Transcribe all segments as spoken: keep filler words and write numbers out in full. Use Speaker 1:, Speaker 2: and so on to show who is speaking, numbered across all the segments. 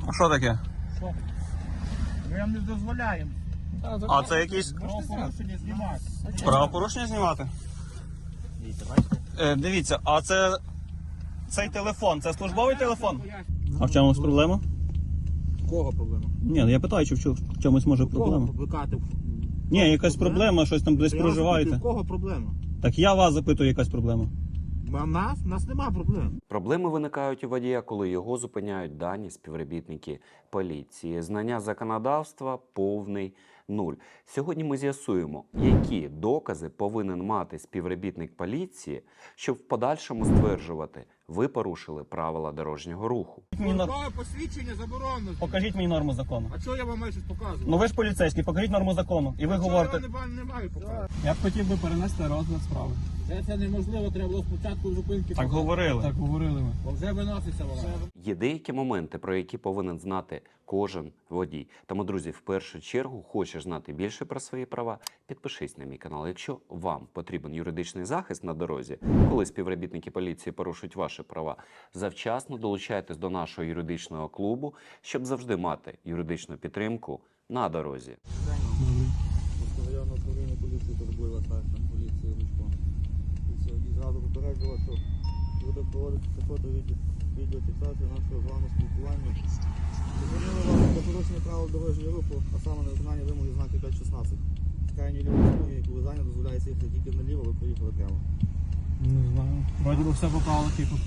Speaker 1: А що таке?
Speaker 2: Що? Ми вам не дозволяємо.
Speaker 1: А це якісь
Speaker 2: Правопорушення знімати.
Speaker 1: правопорушення знімати?
Speaker 2: Дивіться, бачите?
Speaker 1: Е, дивіться, а це цей телефон, це службовий телефон? А в чомусь проблема?
Speaker 2: Кого проблема?
Speaker 1: Ні, ну я питаю, чи в чо- в чомусь може проблема?
Speaker 2: Викати.
Speaker 1: Ні, якась проблема, щось там десь проживаєте.
Speaker 2: В кого проблема?
Speaker 1: Так я вас запитую, якась проблема.
Speaker 2: У нас? У нас нема проблем.
Speaker 3: Проблеми виникають у водія, коли його зупиняють дані співробітники поліції. Знання законодавства повний нуль. Сьогодні ми з'ясуємо, які докази повинен мати співробітник поліції, щоб в подальшому стверджувати, ви порушили правила дорожнього руху.
Speaker 1: Мені нор-
Speaker 2: Службове посвідчення заборонено.
Speaker 1: Покажіть мені норму закону.
Speaker 2: А чого я вам маю щось показувати?
Speaker 1: Ну ви ж поліцейський, покажіть норму закону. І ви
Speaker 2: Чого
Speaker 1: говорите.
Speaker 2: я вам не, не маю показувати?
Speaker 4: Я б хотів би перенести розгляд справи.
Speaker 2: Це, це неможливо, треба було спочатку зупинки.
Speaker 1: Так говорили.
Speaker 4: Так говорили ми.
Speaker 2: Бо вже виноситься вона.
Speaker 3: Є деякі моменти, про які повинен знати кожен водій. Тому, друзі, в першу чергу, хочеш знати більше про свої права, підпишись на мій канал. Якщо вам потрібен юридичний захист на дорозі, коли співробітники поліції порушують ваші права, завчасно долучайтесь до нашого юридичного клубу, щоб завжди мати юридичну підтримку на дорозі.
Speaker 5: Районне управління поліції турбує старшим поліції Лучком. Поліція водій зразу попереджував, що буде проводитися фото відеофіксація нашого з вами спілкування. Звернули вас до порушення правил дорожнього руху, а саме на виконання вимоги знаки п'ять шістнадцять. З крайньої лівої смуги, яку ви зайняли, дозволяється їхати тільки наліво, ви поїхали прямо.
Speaker 4: Не знаю. Вроді би все по правилах їхав.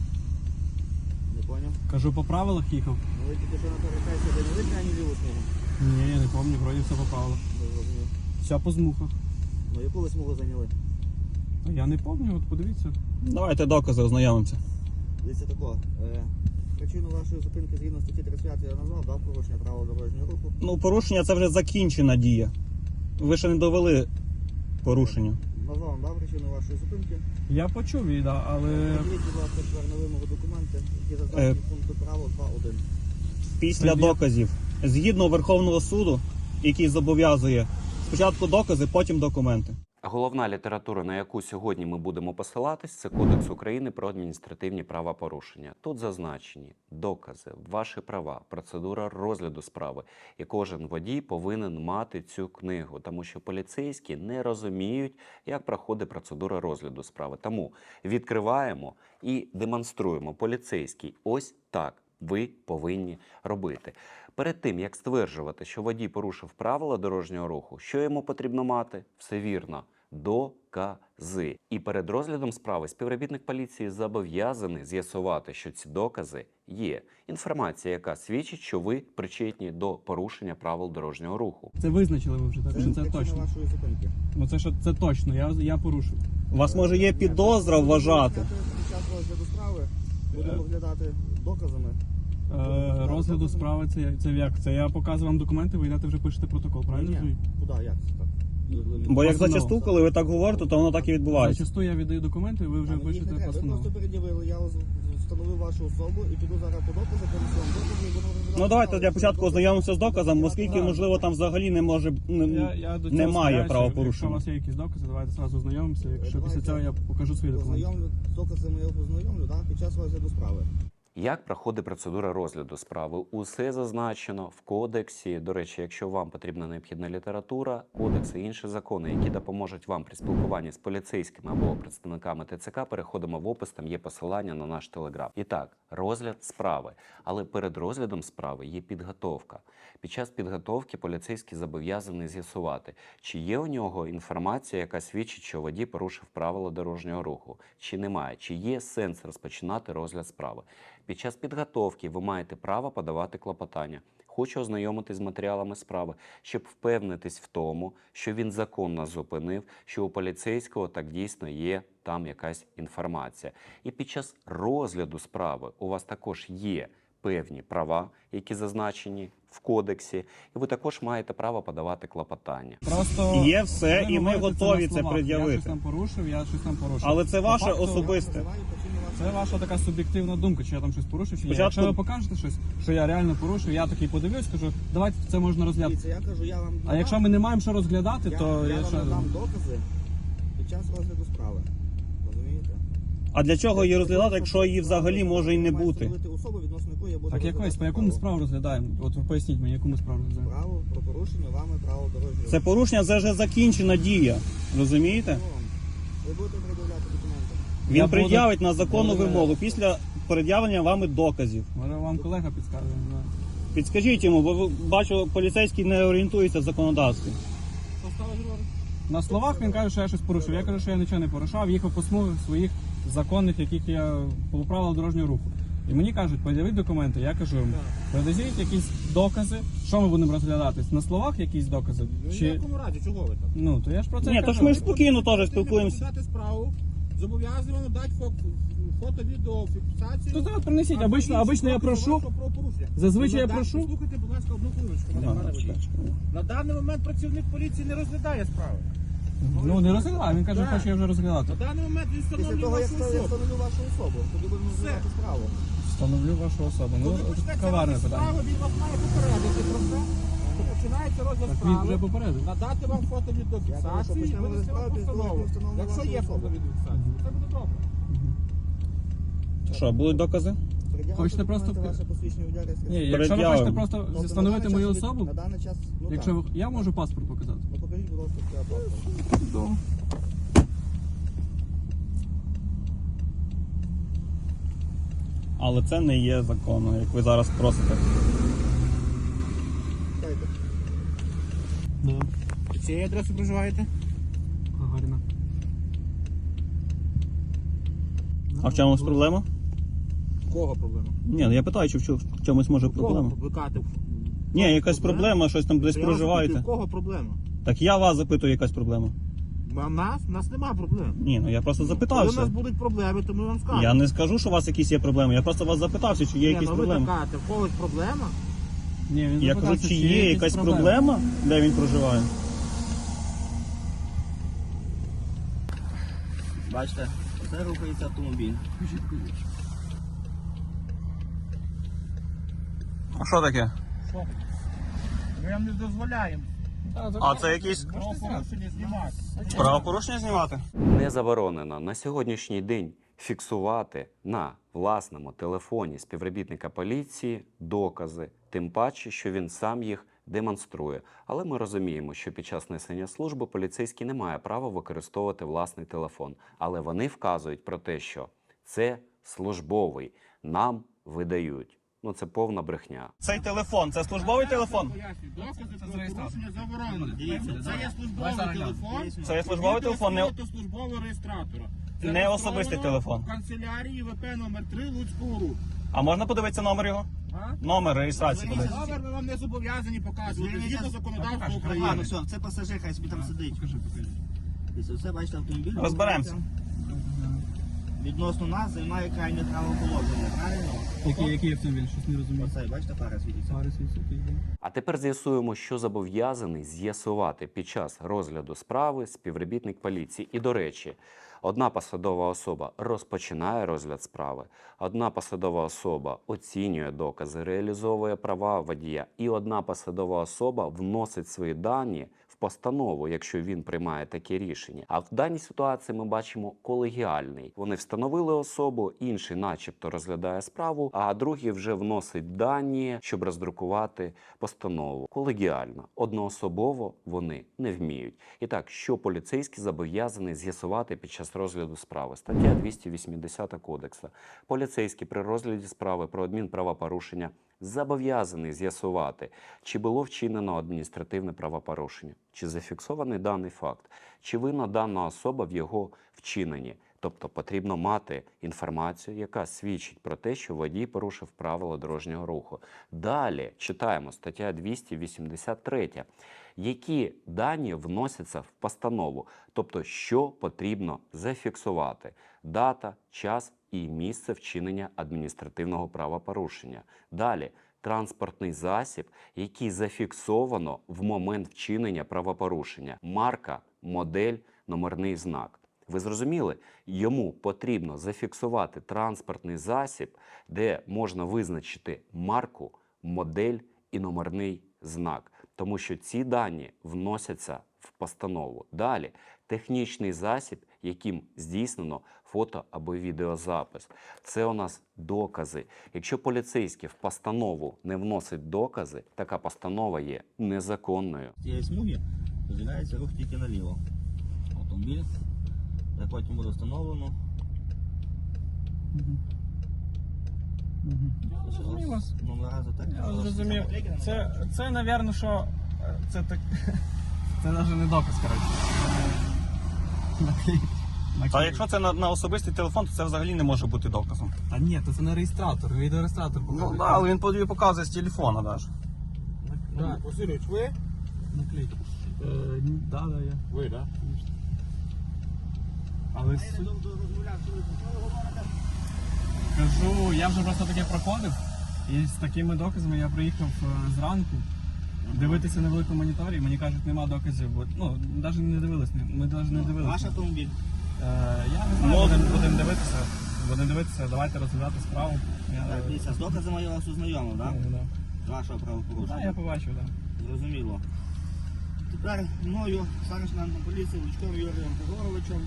Speaker 5: Не поняв?
Speaker 4: Кажу, по правилах їхав.
Speaker 5: Ну ви тільки що на перехресті зайняли крайню ліву смугу.
Speaker 4: Ні, я не пам'ятаю, вроді все по правилах.
Speaker 5: Не зрозумів.
Speaker 4: Все по змухах.
Speaker 5: Ну яку ви смугу зайняли?
Speaker 4: А я не пам'ятаю, от подивіться.
Speaker 1: Давайте докази, ознайомимося.
Speaker 5: Дивіться тако. Е, причину вашої зупинки згідно статті тридцять п'ять я назвав, дав порушення правил дорожнього руху.
Speaker 1: Ну, порушення це вже закінчена дія. Ви ще не довели порушення.
Speaker 5: Назвав, дав причину вашої зупинки.
Speaker 4: Я почув її, да, але
Speaker 5: Подивіть, будь ласка, тепер на вимогу документи, які зазначені в пункту правил два один.
Speaker 1: Після
Speaker 4: Це
Speaker 1: доказів, згідно Верховного суду, який зобов'язує спочатку докази, потім документи.
Speaker 3: Головна література, на яку сьогодні ми будемо посилатись, це Кодекс України про адміністративні правопорушення. Тут зазначені докази, ваші права, процедура розгляду справи. І кожен водій повинен мати цю книгу, тому що поліцейські не розуміють, як проходить процедура розгляду справи. Тому відкриваємо і демонструємо поліцейський. Ось так ви повинні робити. Перед тим, як стверджувати, що водій порушив правила дорожнього руху, що йому потрібно мати? Все вірно. Докази. І перед розглядом справи співробітник поліції зобов'язаний з'ясувати, що ці докази є. Інформація, яка свідчить, що ви причетні до порушення правил дорожнього руху.
Speaker 4: це визначили ви вже, так що це
Speaker 5: причина
Speaker 4: точно.
Speaker 5: вашої зупинки.
Speaker 4: Ну це що це точно, я, я порушив.
Speaker 1: У вас може є підозра вважати.
Speaker 5: Під час розгляду справи будемо оглядати доказами.
Speaker 4: Е, розгляду справи це, це як? Це я показую вам документи, ви йдете вже пишете протокол, правильно
Speaker 5: Ні,
Speaker 4: розумію?
Speaker 5: куди, як це так?
Speaker 1: Бо як
Speaker 4: Постанова.
Speaker 1: зачасту, коли ви так говорите, то воно так і відбувається.
Speaker 4: Зачасту я віддаю документи, ви вже
Speaker 5: А, ну, їх не
Speaker 4: пишете
Speaker 5: треба. Ви
Speaker 4: постанову.
Speaker 5: просто пред'явили, я встановив вашу особу і піду зараз по доказу, принесу вам докази і будемо розглядати
Speaker 1: Ну давайте
Speaker 5: справу.
Speaker 1: для початку ознайомимося з доказом, оскільки,
Speaker 4: Так.
Speaker 1: можливо, там взагалі не може не,
Speaker 4: Я, я до цього
Speaker 1: немає
Speaker 4: схиляюся. Якщо у
Speaker 1: правопорушення.
Speaker 4: вас є якісь докази, давайте зразу ознайомимося. Якщо
Speaker 5: Давайте.
Speaker 4: після цього я покажу свої документи.
Speaker 5: Ознайомлю, з доказами я познайомлю, так, під час розгляду справи.
Speaker 3: Як проходить процедура розгляду справи? Усе зазначено в кодексі. До речі, якщо вам потрібна необхідна література, кодекси і інші закони, які допоможуть вам при спілкуванні з поліцейськими або представниками ТЦК, переходимо в опис, там є посилання на наш телеграм. І так, розгляд справи. Але перед розглядом справи є підготовка. Під час підготовки поліцейський зобов'язаний з'ясувати, чи є у нього інформація, яка свідчить, що водій порушив правила дорожнього руху, чи немає, чи є сенс розпочинати розгляд справи. Під час підготовки ви маєте право подавати клопотання. Хочу ознайомитись з матеріалами справи, щоб впевнитись в тому, що він законно зупинив, що у поліцейського так дійсно є там якась інформація. І під час розгляду справи у вас також є певні права, які зазначені в кодексі, і ви також маєте право подавати клопотання.
Speaker 4: Просто
Speaker 1: Є все,
Speaker 4: ви
Speaker 1: і ми
Speaker 4: говорите
Speaker 1: готові
Speaker 4: на
Speaker 1: це
Speaker 4: словах.
Speaker 1: пред'явити.
Speaker 4: Я щось там порушив, я щось там порушив.
Speaker 1: Але це
Speaker 4: По
Speaker 1: ваше
Speaker 4: факту,
Speaker 1: особисте.
Speaker 5: Називаю причину вашої
Speaker 4: Це ваша така суб'єктивна думка, чи я там щось порушив, чи ні.
Speaker 1: Спочатку-
Speaker 4: Якщо ви покажете щось, що я реально порушив, я такий подивлюсь, кажу, давайте це можна розглядати.
Speaker 5: Дивіться, я кажу, я вам
Speaker 4: А якщо ми не маємо що розглядати,
Speaker 5: я,
Speaker 4: то
Speaker 5: я
Speaker 4: я
Speaker 5: вам
Speaker 4: що...
Speaker 5: надам докази під час розгляду справи. Розумієте?
Speaker 1: А для чого її розглядати, якщо її взагалі може і не бути?
Speaker 5: Особу, відносно якої я буду
Speaker 4: Так якось, по
Speaker 5: розглядати
Speaker 4: яку ми
Speaker 5: справу.
Speaker 4: справу розглядаємо? От ви поясніть мені, яку ми справу розглядаємо?
Speaker 5: Право про порушення вами право дорожнього.
Speaker 1: Це порушення, це вже закінчена дія. Розумієте?
Speaker 5: Ви будете пред'являти документи.
Speaker 1: Він
Speaker 4: Я буду-
Speaker 1: пред'явить на законну
Speaker 4: Буду-
Speaker 1: вимогу після пред'явлення вами доказів.
Speaker 4: Може вам колега підскаже, не знаю.
Speaker 1: Підскажіть йому, бо ви- бачу, поліцейський не орієнтується в законодавстві.
Speaker 2: Що стало говорити?
Speaker 4: На словах він каже, що я щось порушив. Я кажу, що я нічого не порушав, їхав по смугах своїх законних, яких я по правилах дорожнього руху. І мені кажуть, пред'явіть документи. Я кажу йому, пред'явіть якісь докази. Що ми будемо розглядати? На словах якісь докази?
Speaker 2: Ну, в
Speaker 4: Чи...
Speaker 2: якому разі, чого ви так?
Speaker 4: Ну, то я ж про це
Speaker 1: Ні,
Speaker 4: й
Speaker 1: то
Speaker 4: кажу.
Speaker 1: ж ми ж спокійно теж спілкуємося.
Speaker 2: Дати справу, зобов'язуємо дати фото, фото, відео, фіксацію.
Speaker 4: То зараз принесіть, обично, обично я прошу. Зазвичай я прошу.
Speaker 2: Слухайте, будь ласка, одну хвилиночку. мене,
Speaker 1: Ага,
Speaker 2: пане водій. На даний момент працівник поліції не розглядає справи.
Speaker 4: Ну, не розглядаю, він каже,
Speaker 2: Так.
Speaker 4: хоче я вже розглядати.
Speaker 2: На даний момент він
Speaker 5: Після
Speaker 2: встановлює
Speaker 5: того, як
Speaker 2: вашу
Speaker 5: я
Speaker 2: особу.
Speaker 5: встановлю вашу особу, тоді будемо
Speaker 2: Все.
Speaker 5: розглядати справу.
Speaker 4: Встановлю вашу особу. Ну,
Speaker 2: Коли
Speaker 4: це
Speaker 2: почнеться
Speaker 4: коварне
Speaker 2: розгляд
Speaker 4: питання.
Speaker 2: справи, він вас має попередити про це, що починається розгляд
Speaker 4: Так він вже
Speaker 2: справи,
Speaker 4: попередив.
Speaker 2: надати вам фото від
Speaker 5: Я кажу, що
Speaker 2: фіксації і
Speaker 5: почнемо
Speaker 2: винести вам
Speaker 5: розгляд справи,
Speaker 2: постанову.
Speaker 5: коли встановлю
Speaker 2: Якщо
Speaker 5: вашу
Speaker 2: є
Speaker 5: особу.
Speaker 2: фото від фіксації, це буде добре.
Speaker 1: Що, будуть докази?
Speaker 5: Пред'явити
Speaker 4: Хочете просто-
Speaker 5: документи, ваше посвідчення водія, реєстраційний.
Speaker 4: Ні, якщо ви
Speaker 1: Пред'явимо.
Speaker 4: хочете просто
Speaker 5: Тобто на
Speaker 4: встановити
Speaker 5: даний
Speaker 4: мою
Speaker 5: час від-
Speaker 4: особу,
Speaker 5: На даний час, ну
Speaker 4: якщо
Speaker 5: так.
Speaker 4: ви... я можу паспорт показати.
Speaker 5: Ну покажіть, будь ласка, своє паспорт.
Speaker 1: Але це не є законно, як ви зараз просите.
Speaker 5: Чекайте.
Speaker 2: Цієї адреси проживаєте?
Speaker 4: Гагаріна.
Speaker 1: А в чомусь проблема?
Speaker 2: Кого проблема?
Speaker 1: Ні, ну я питаю, чи в чо- в чомусь може проблема.
Speaker 2: Кого викликати?
Speaker 1: Ні, якась проблема, щось там десь
Speaker 2: Я вас
Speaker 1: проживаєте.
Speaker 2: запитую, Кого проблема?
Speaker 1: Так я вас запитую, якась проблема.
Speaker 2: А нас? У нас нема проблем.
Speaker 1: Ні, ну я просто
Speaker 2: Коли у
Speaker 1: запитався.
Speaker 2: нас будуть проблеми, то ми вам скажемо.
Speaker 1: Я не скажу, що у вас якісь є проблеми. Я просто вас запитався, чи є
Speaker 2: Ні,
Speaker 1: якісь
Speaker 2: ну ви
Speaker 1: проблеми.
Speaker 2: кажете, в когось проблема?
Speaker 4: Ні, він
Speaker 1: Я кажу,
Speaker 4: запитався,
Speaker 1: чи є якась проблема, де він проживає.
Speaker 5: Бачите, це рухається автомобіль.
Speaker 1: А що таке?
Speaker 2: Що? Ми вам не дозволяємо.
Speaker 1: А це якісь
Speaker 2: Правопорушення знімати.
Speaker 1: правопорушення знімати?
Speaker 3: Не заборонено на сьогоднішній день фіксувати на власному телефоні співробітника поліції докази, тим паче, що він сам їх демонструє. Але ми розуміємо, що під час несення служби поліцейський не має права використовувати власний телефон. Але вони вказують про те, що це службовий, нам видають. Ну це повна брехня.
Speaker 1: Цей телефон, це службовий телефон?
Speaker 2: Пояснюю, докази
Speaker 4: Це
Speaker 2: про
Speaker 4: зареєстровано.
Speaker 2: порушення заборонено.
Speaker 5: Дивіться,
Speaker 2: Це є службовий
Speaker 4: зараз
Speaker 2: телефон.
Speaker 1: Це є службовий телефон, не,
Speaker 2: Це службового реєстратора. Це
Speaker 1: не особистий
Speaker 2: реєстровано
Speaker 1: телефон.
Speaker 2: В канцелярії ВП номер три Луцького руху.
Speaker 1: А можна подивитися номер його?
Speaker 2: А?
Speaker 1: Номер реєстрації подивитися.
Speaker 2: Номер ми вам не зобов'язані показувати згідно законодавства
Speaker 5: Ладно,
Speaker 2: України.
Speaker 5: все, це пасажир, хай собі там сидить. Дивіться, все, бачите, автомобіль.
Speaker 1: Розберемося.
Speaker 5: Відносно нас займає крайнє правоположення, правильно?
Speaker 4: Який, який автомобіль? Щось не розумію.
Speaker 5: Оцей, бачите, пара світиться.
Speaker 4: Фари світять, йде.
Speaker 3: А тепер з'ясуємо, що зобов'язаний з'ясувати під час розгляду справи співробітник поліції. І, до речі, одна посадова особа розпочинає розгляд справи, одна посадова особа оцінює докази, реалізовує права водія, і одна посадова особа вносить свої дані в постанову, якщо він приймає таке рішення. А в даній ситуації ми бачимо колегіальний. Вони встановили особу, інший начебто розглядає справу, а другий вже вносить дані, щоб роздрукувати постанову. Колегіально, одноособово вони не вміють. І так, що поліцейський зобов'язаний з'ясувати під час розгляду справи? Стаття двісті вісімдесят Кодексу. Поліцейський при розгляді справи про адмінправопорушення зобов'язаний з'ясувати, чи було вчинено адміністративне правопорушення, чи зафіксований даний факт, чи винна дана особа в його вчиненні. Тобто потрібно мати інформацію, яка свідчить про те, що водій порушив правила дорожнього руху. Далі читаємо стаття двісті вісімдесят три. Які дані вносяться в постанову, тобто що потрібно зафіксувати: дата, час і місце вчинення адміністративного правопорушення. Далі транспортний засіб, який зафіксовано в момент вчинення правопорушення: марка, модель, номерний знак. Ви зрозуміли? Йому потрібно зафіксувати транспортний засіб, де можна визначити марку, модель і номерний знак. Тому що ці дані вносяться в постанову. Далі технічний засіб, яким здійснено фото або відеозапис. Це у нас докази. Якщо поліцейський в постанову не вносить докази, така постанова є незаконною.
Speaker 5: З цієї смуги дозволяється рух тільки наліво. Автомобіль, де потім буде встановлено.
Speaker 4: Я зрозумів вас.
Speaker 5: Номера за так.
Speaker 4: Я зрозумів. Це, це, напевно, що е, це так. Це навіть не доказ, коротше. Наклей.
Speaker 1: А якщо це на, на особистий телефон, то це взагалі не може бути доказом.
Speaker 4: Та ні, то це не реєстратор, відеореєстратор.
Speaker 1: Ну да, але він тобі показує з телефона навіть.
Speaker 2: Так. Васильович, ви?
Speaker 4: Наклей. Е, ні, да, да, я.
Speaker 2: Ви, так?
Speaker 4: Але суть... Кажу, я вже просто таке проходив, і з такими доказами я приїхав е, зранку дивитися на великому моніторі, мені кажуть, нема доказів, бо, ну, навіть не дивились, ми навіть не дивилися.
Speaker 5: Ваш автомобіль.
Speaker 4: Е, я не знаю,
Speaker 1: Ну,
Speaker 4: будемо будем дивитися, будемо дивитися, давайте розглядати справу. Я,
Speaker 5: Так, дивіться, з доказами я вас ознайомив, так?
Speaker 4: е, да.
Speaker 5: З вашого
Speaker 4: Да,
Speaker 5: правопорушення.
Speaker 4: я побачив, так.
Speaker 5: Зрозуміло. Тепер мною, старшим поліції, Лучком Юрієм Григоровичем.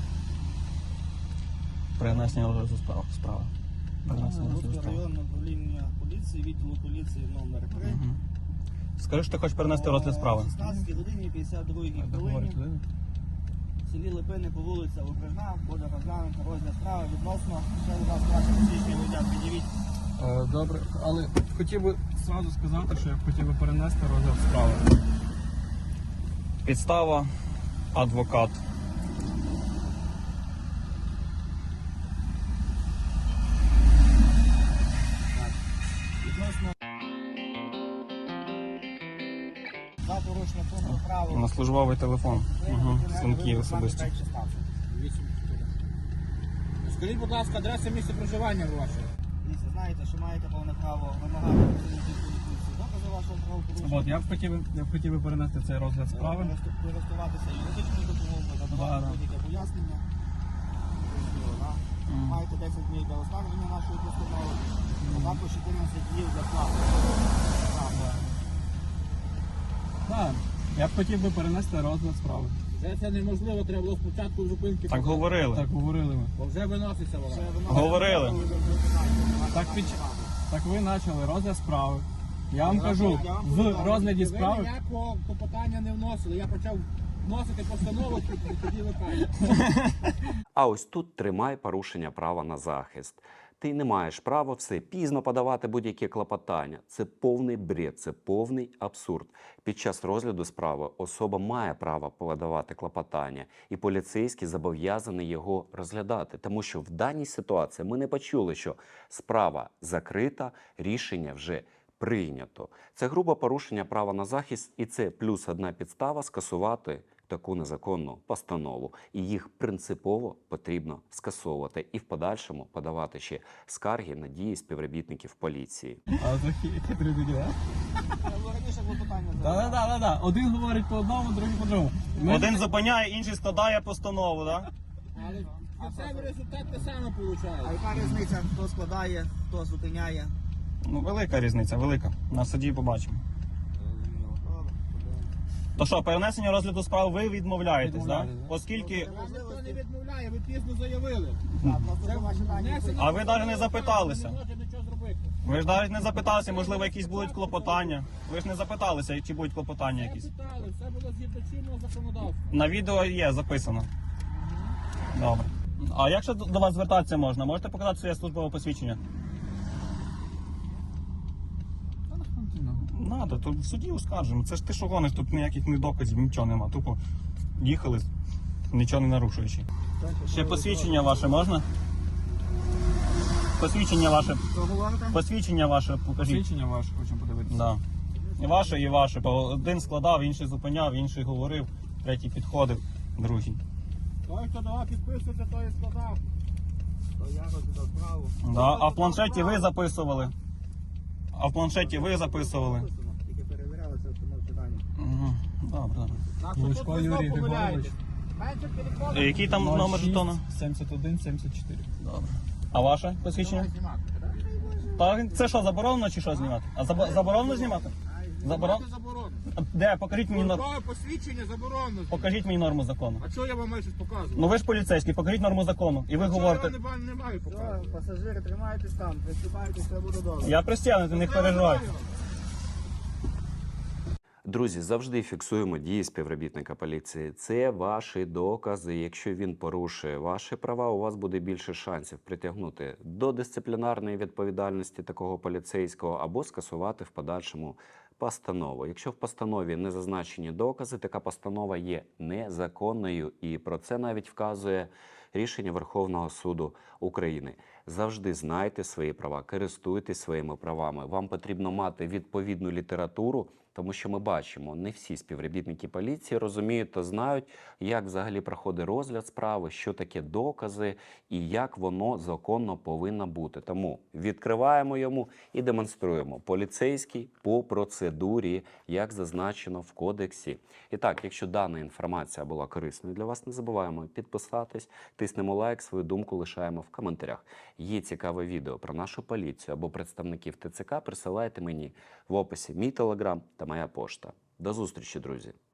Speaker 1: Принесення розгляду справи. справи. Принесення розгляду
Speaker 5: Луцького
Speaker 1: справи.
Speaker 5: районного управління поліції, відділу поліції номер три.
Speaker 1: Мгм. Скажи, що ти хочеш перенести розгляд справи.
Speaker 5: О шістнадцятій годині п'ятдесят другій хвилині. В селі Липини по вулиця Окружна буде розглянути розгляд справи відносно. Ще, будь ласка, ваше посвідчення водія під'явіть.
Speaker 4: Е, Добре, але хотів би зразу сказати, що я б хотів би перенести розгляд справи.
Speaker 1: Підстава, адвокат.
Speaker 5: Відносно за порушення пункту правил.
Speaker 1: На службовий телефон. Угу. Дзвінки особисті.
Speaker 2: Скажіть, будь ласка, адреса місця проживання ваше.
Speaker 5: Дивіться, знаєте, що маєте повне право вимагати працівників поліції докази вашого правопорушення.
Speaker 4: От, я б хотів, би- я б хотів би перенести цей розгляд справи.
Speaker 5: Користуватися юридичною допомогою,
Speaker 4: Да,
Speaker 5: надавати
Speaker 4: да.
Speaker 5: будь-яке пояснення. Зрозуміло, да?
Speaker 1: Мгм.
Speaker 5: Маєте десять днів для оскарження нашої постанови, а також чотирнадцять днів для плати.
Speaker 4: Так, я б хотів би перенести розгляд справи.
Speaker 2: Вже це неможливо, треба було спочатку зупинки.
Speaker 1: Так говорили.
Speaker 4: Так говорили ми.
Speaker 2: Бо вже виноситься вона.
Speaker 1: Говорили.
Speaker 4: Так, під... так ви почали розгляд справи. Я вам кажу, в розгляді
Speaker 2: Ви
Speaker 4: справи.
Speaker 2: ніякого клопотання не вносили. Я почав вносити постанову, і тоді ви кажете.
Speaker 3: А ось тут тримай порушення права на захист. Ти не маєш права все пізно подавати будь-які клопотання. Це повний бред, це повний абсурд. Під час розгляду справи особа має право подавати клопотання, і поліцейський зобов'язаний його розглядати. Тому що в даній ситуації ми не почули, що справа закрита, рішення вже прийнято. Це грубе порушення права на захист, і це плюс одна підстава скасувати таку незаконну постанову. І їх принципово потрібно скасовувати і в подальшому подавати ще скарги на дії співробітників поліції.
Speaker 4: А це хитрі такі, так?
Speaker 5: Раніше клопотання
Speaker 4: Так, так, так, так. Один говорить по одному, другий по другому. Ми-
Speaker 1: Один зупиняє, інший складає постанову, так?
Speaker 2: Але кінцевий результат те саме
Speaker 5: А
Speaker 2: виходить.
Speaker 5: яка різниця, хто складає, хто зупиняє?
Speaker 1: Ну, велика різниця, велика. На суді побачимо.
Speaker 5: Зрозуміло. Добре, подивимось.
Speaker 1: То що, перенесення розгляду справ ви відмовляєтесь, так?
Speaker 4: Відмовляюсь, да.
Speaker 1: Оскільки.
Speaker 2: Вам ніхто не відмовляє, ви пізно заявили.
Speaker 5: Так, просто
Speaker 2: Це
Speaker 5: ваші дані.
Speaker 2: внесено
Speaker 1: А ви навіть не
Speaker 2: в
Speaker 1: запиталися.
Speaker 2: Не може нічого зробити.
Speaker 1: Ви ж навіть не запиталися, можливо, якісь будуть клопотання. Ви ж не запиталися, чи будуть клопотання
Speaker 2: Все
Speaker 1: якісь.
Speaker 2: питали, все було згідно чинного законодавства.
Speaker 1: На відео є записано. Добре. А як ще до до вас звертатися можна? Можете показати своє службове посвідчення? Надо, то в суді оскаржимо. Це ж ти що гониш, тут ніяких ні доказів, нічого нема. Тупо їхали, нічого не нарушуючи. Ще посвідчення ваше можна? Посвідчення ваше.
Speaker 5: Що говорите?
Speaker 1: Посвідчення ваше покажіть.
Speaker 4: Свідчення ваше хочемо подивитися.
Speaker 1: Да. І ваше, і ваше. Бо один складав, інший зупиняв, інший говорив, третій підходив, другий.
Speaker 2: Той, хто давав підписувати, той і складав.
Speaker 5: То я розглядав справу.
Speaker 1: Да. А в планшеті ви записували. А в планшеті ви записували.
Speaker 5: Написано, тільки перевіряли це встановчі дані.
Speaker 1: Угу. Добре, добре.
Speaker 2: Так, що
Speaker 4: Лучко
Speaker 2: тут ви знов
Speaker 4: Юрій
Speaker 2: помиляєтесь.
Speaker 4: Григорович.
Speaker 2: Менше телефону.
Speaker 1: Е, Який там номер жетона?
Speaker 4: сімдесят один сімдесят чотири.
Speaker 1: Добре. А ваше посвідчення?
Speaker 2: Давай знімати.
Speaker 1: Та це що, заборонено чи що знімати? А забо- заборонено знімати? Заборон...
Speaker 2: Знімати заборонено.
Speaker 1: Де? Покажіть мені норму.
Speaker 2: Службове посвідчення заборонено.
Speaker 1: Покажіть мені норму закону.
Speaker 2: А чого я вам маю щось показувати?
Speaker 1: Ну ви ж поліцейський, покажіть норму закону. І ви
Speaker 2: Чого
Speaker 1: говорите.
Speaker 2: я вам не, не маю
Speaker 5: Все,
Speaker 2: показувати?
Speaker 5: пасажири, тримайтесь там, приступайте, все буде добре.
Speaker 1: Я пристягнутий, не переживайте.
Speaker 3: Друзі, завжди фіксуємо дії співробітника поліції. Це ваші докази. Якщо він порушує ваші права, у вас буде більше шансів притягнути до дисциплінарної відповідальності такого поліцейського або скасувати в подальшому постанову. Якщо в постанові не зазначені докази, така постанова є незаконною. І про це навіть вказує рішення Верховного суду України. Завжди знайте свої права, користуйтесь своїми правами. Вам потрібно мати відповідну літературу, тому що ми бачимо, не всі співробітники поліції розуміють та знають, як взагалі проходить розгляд справи, що таке докази і як воно законно повинно бути. Тому відкриваємо йому і демонструємо. Поліцейський по процедурі, як зазначено в кодексі. І так, якщо дана інформація була корисною для вас, не забуваємо підписатись, тиснемо лайк, свою думку лишаємо в коментарях. Є цікаве відео про нашу поліцію або представників ТЦК, присилайте мені в описі мій телеграм та моя пошта. До зустрічі, друзі!